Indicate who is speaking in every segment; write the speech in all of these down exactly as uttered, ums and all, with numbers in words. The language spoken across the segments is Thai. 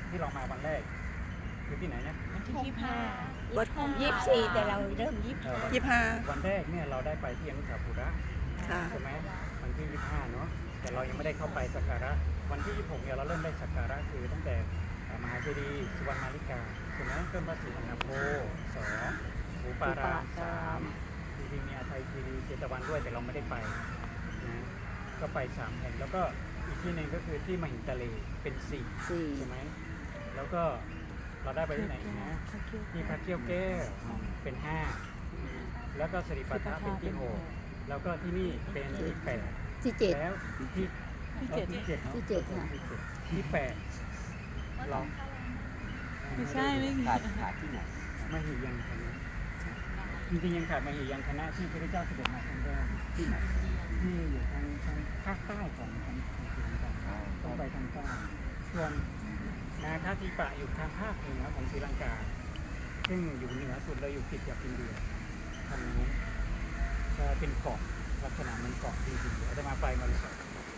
Speaker 1: ที่เรามาวันแรกคือที่ไหนนะ
Speaker 2: วันที่ยี่สิบห้า
Speaker 3: วัด
Speaker 2: ยี่สิบสี่แต่เราเริ่มยี่สิบ
Speaker 1: เอ่อวัน
Speaker 3: ยี่สิบห้า
Speaker 1: วันแรกเนี่ยเราได้ไปที่อนุสาวรีย์
Speaker 3: ค่ะ
Speaker 1: ใช่ไหมวันที่ยี่สิบห้าเนาะแต่เรายังไม่ได้เข้าไปสักการะวันที่ยี่สิบหกเนี่ยเราเริ่มได้สักการะคือตั้งแต่มหาเจดีย์สุวรรณมาริกาใช่ไหมเริ่มพระศรีสังฆโพสองหมูปารามสามจริงๆมีอาไทยคีรีเจตวันด้วยแต่เราไม่ได้ไปนะก็ไปสามแห่งแล้วก็อีกที่หนึ่งก็คือที่มหินทะเลเป็นสี่
Speaker 3: สี่
Speaker 1: ใช่ไหมแล้วก็เราได้ไปที่ไหนอีกนะที่พระเกี้ยวแก้วเป็นห้าแล้วก็สิริปัทถะเป็นที่หกแล้วก็ที่นี่เป็นที่แปด
Speaker 3: ที่เจ็ด
Speaker 1: แล้วที่ที่เจ็ดที่เจ็ดเนอะ
Speaker 3: ที่เจ็ดค่ะ
Speaker 1: ที่เจ็ดที่แปดเรา
Speaker 2: ไม่ใช่ไม่มี
Speaker 4: ขาดขาดที่ไหน
Speaker 1: มหิยังคณะจริงๆยังขาดมหิยังคณะที่พระเจ้าเสด็จมาครั้งแรกที่ไหนที่อยู่ทางทางภาคใต้ของของของศรีลังกาต้องไปทางใต้ส่วนนาคาธิปะอยู่ทางภาคเหนือของศรีลังกาซึ่งอยู่เหนือสุดเลยอยู่ติดกับอินเดียทางนู้นจะเป็นเกาะลักษณะเหมันเกาะจริงๆอาจจะมาไปมาเลย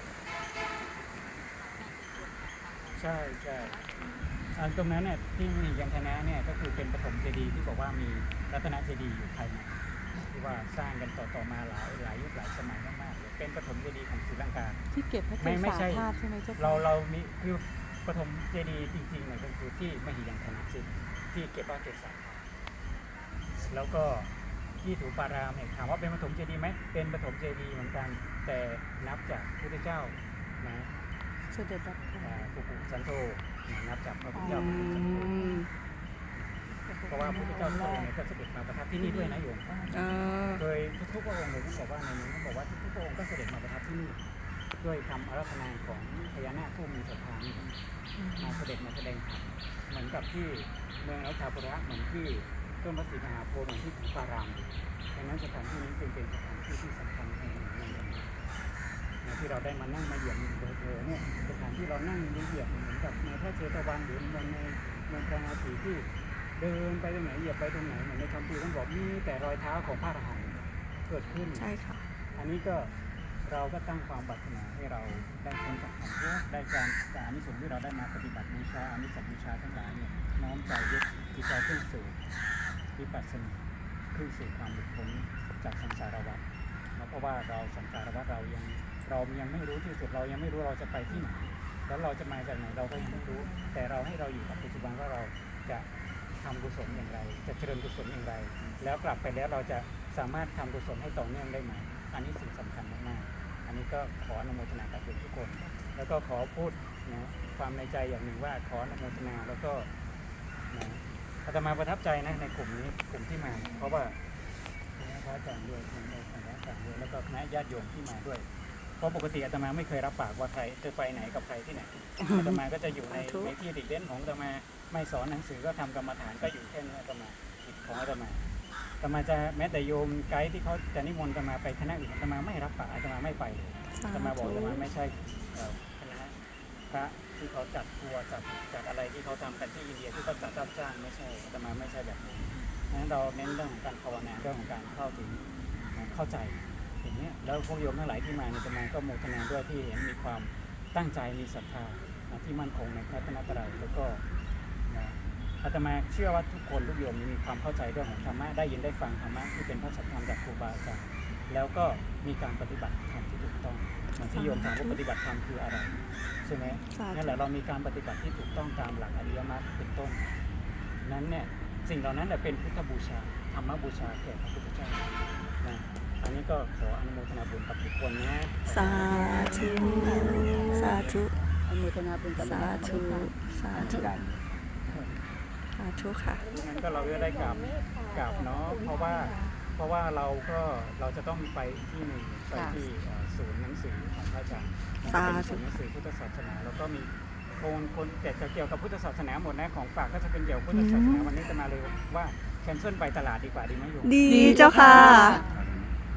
Speaker 1: ใช่ใช่อันตรงนั้นเนี่ยที่มียังคณะเนี่ยก็คือเป็นปฐมเจดีย์ที่บอกว่ามีรัตนเจดีย์อยู่ภายในที่ว่าสร้างกันต่อๆมาหลายหลายยุคหลายสมัยมากๆเลยเป็นปฐมเจดีย์ของศรีลังกา
Speaker 2: ที่เก็บพระเก
Speaker 1: ไม่ไม่
Speaker 2: ศา
Speaker 1: ใช่
Speaker 2: ธาตุใช่ไหมเจ้าค่ะ
Speaker 1: เราเรามีคือปฐมเจดีย์จริงๆเนี่ยก็คือที่มหิยังคณะเจดีย์ที่เก็บพระเกศาแล้วก็ที่ถูปารามเนี่ยถามว่าเป็นปฐมเจดีย์ไหมเป็นปฐมเจดีย์เหมือนกันแต่นับจากพระพุทธเจ้านะ
Speaker 2: เสด็จรับ
Speaker 1: อ่าปุกุสันโธนับจากพระพุทธ
Speaker 3: อื
Speaker 1: เจ้าปุกุสันโธ
Speaker 3: ม
Speaker 1: เพราะว่าพระพุทธเจ้าทุกพระองค์เนี่ยก็เสด็จมาประทับที่นี่ด้วยนะโยม
Speaker 3: อ่า
Speaker 1: โดยทุกๆพระองค์เลยต้องบอกว่าในนี้ต้องบอกว่าทุกๆพระองค์ก็เสด็จมาประทับที่นี่ด้วยคำอาราธนาของพญานาคผู้มีศรัทธานี่มาเสด็จมาแสดงธรรมเหมือนกับที่เมืองอัฏฐปุระเหมือนที่ต้นพระศรีมหาโพธิ์เหมือนที่ถูปารามดังนั้นสถานที่นี้จึงเป็นสถานที่ที่สำคัญแห่งหนึ่งในนะที่เราได้มานั่งมาเหยียบเผลอๆเนี่ยสถานที่เรานั่งเหยียบเหมือนกับในพระเชตวันหรือเมืองในเมืองพระนาทีที่เดินไปตรงไหนเหยียบไปตรงไหนเหมือนในคำพีท่านบอกมีแต่รอยเท้าของพระอรหันต์เกิดขึ้น
Speaker 3: ใช่ค่ะ
Speaker 1: อันนี้ก็เราก็ตั้งความปรารถนาให้เราได้พ้นจากความทุกข์ได้การจากอานิสงส์ที่เราได้มาปฏิบัติบูชาอานิสงส์บูชาทั้งหลายเนี่ยน้อมใจยึดจิตใจขึ้นสู่วิปัสสนาขึ้นสู่ความหลุดพ้นจากสังสารวัฏเพราะว่าเราสังสารวัฏเรายังเรายังไม่รู้ที่สุดเรายังไม่รู้เราจะไปที่ไหนแล้วเราจะมาจากไหนเราก็ยังไม่รู้ แต่เราให้เราอยู่กับปัจจุบันว่าเราจะทำกุศลอย่างไรจะเจริญกุศลอย่างไร แล้วกลับไปแล้วเราจะสามารถทำกุศลให้ต่อเนื่องได้ไหมอันนี้สิ่งสำคัญมากๆอันนี้ก็ขออนุโมทนากับทุกคน แล้วก็ขอพูดนะความในใจอย่างหนึ่งว่าขออนุโมทนาแล้วก็นะอาตมาประทับใจนะในกลุ่มนี้กลุ่มที่มา เพราะว่าพระอาจารย์ด้วยพระอาจารย์ด้วยแล้วก็คณะญาติโยมที่มาด้วย เพราะปกติอาตมาไม่เคยรับปากว่าใครจะไปไหนกับใครที่ไหนอาตมาก็จะอยู่ในในที่ดิเด่นของอาตมาไม่สอนหนังสือก็ทำกรรมฐานก็อยู่แค่นี้อาตมากิจของอาตมาอาตมาจะแม้แต่โยมไกด์ที่เขาจะนิมนต์อาตมาไปคณะอื่นอาตมาไม่รับปากอาตมาไม่ไปเลยอาตมาบอกอาตมาไม่ใช่เอ่อคณะพระที่เขาจัดทัวร์จัดจัดอะไรที่เขาทำกันที่อินเดียที่เขาจัดรับจ้างไม่ใช่อาตมาไม่ใช่แบบนี้นั้นเราเน้นเรื่องของการภาวนาเรื่องของการเข้าถึงเข้าใจอย่างนี้แล้วพวกโยมทั้งหลายที่มาในอาตมาก็โมทนาด้วยที่เห็นมีความตั้งใจมีศรัทธาที่มั่นคงในพระรัตนตรัยแล้วก็นะอาตมาเชื่อว่าทุกคนทุกโยมมีความเข้าใจเรื่องของธรรมะได้ยินได้ฟังธรรมะที่เป็นพระสัจธรรมจากครูบาอาจารย์แล้วก็มีการปฏิบัติธรรมที่ถูกต้องเหมือนที่โยมถามว่าปฏิบัติธรรมคืออะไรใช่ไหมนั่นแหละเรามีการปฏิบัติที่ถูกต้องตามหลักอริยมรรคเป็นต้นนั้นเนี่ยสิ่งเหล่านั้นเป็นพุทธบูชาธรรมบูชาแก่พระพุทธเจ้านะอันนี้ก็ขออนุโมทนาบุญกับทุกคนนะ
Speaker 3: สาธุสาธุ
Speaker 2: อนุโมทนาบุญกับ
Speaker 3: สาธุสาธุ
Speaker 4: การ
Speaker 3: สาธุค่ะ
Speaker 1: งั้นก็เราก็ได้กราบกราบเนาะเพราะว่าเพราะว่าเราก็เราจะต้องไปที่หนึ่งไปที่เอ่อศูนย์หนังสือของพระอาจารย์เป็นศูนย์หนังสือพุทธศาสนาแล้วก็มีคนคนแต่จะเกี่ยวกับพุทธศาสนาหมดนะของฝากก็จะเป็นเกี่ยวกับพุทธศาสนาวันนี้จะมาเลยว่าแคนเซิลไปตลาดดีกว่าดีไหมโยม
Speaker 3: ดีเจ้าค่ะ
Speaker 1: เ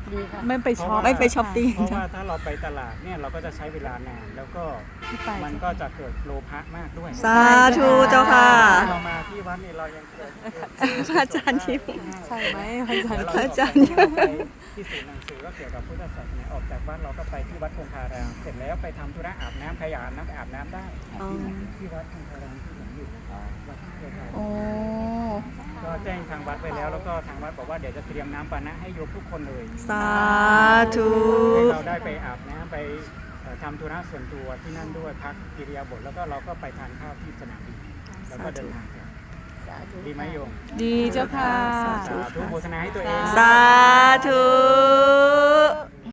Speaker 2: ดีค่ะ
Speaker 3: ไม่ไปช็อป
Speaker 1: เพราะว่า
Speaker 3: ไม่ไปช้อปปิ้ง
Speaker 1: เพราะว่าถ้าเราไปตลาดเนี่ยเราก็จะใช้เวลานานแล้วก็
Speaker 2: ที่ไป
Speaker 1: มันก็จะเกิดโลภะมากด้วย
Speaker 3: สาธุเจ้าค่ะ
Speaker 1: เรามาที่วัดนี่เรายังเกิด
Speaker 3: พระอาจารย์ยิ้ม
Speaker 2: ใช่ไหมพระอาจารย์
Speaker 1: แล้ว
Speaker 3: พระ
Speaker 1: เ
Speaker 3: อาจารย์
Speaker 1: เราไปที่ศูนย์หนังสือก็เกี่ยวกับพุทธศาสนาออกจากวัดเราก็ไปที่วัดคงคารามเสร็จแล้วไปทำธุระอาบน้ำใครอยากอาบน้ำไปอาบน้ำได้
Speaker 3: อ๋อ
Speaker 1: ที่วัดคงคารามที่ผมอยู่วัดเจ้าค่ะ
Speaker 3: โอ้
Speaker 1: ก็แจ้งทางวัดไปแล้วแล้วก็ทางวัดบอกว่าเดี๋ยวจะเตรียมน้ำปานะให้โยมทุกคนเลย
Speaker 3: สาธุ
Speaker 1: ให้เราได้ไปอาบน้ำไปเอ่อทำธุระส่วนตัวที่นั่นด้วยพักกิริยาบทแล้วก็เราก็ไปทานข้าวที่สนามบินแล้วก็เดินทางกลับ
Speaker 2: สาธุ
Speaker 1: ดีไหมโยม
Speaker 2: ดีเจ้าค่ะ
Speaker 1: สาธุโฆษณาให้ตัวเอง
Speaker 3: สาธุ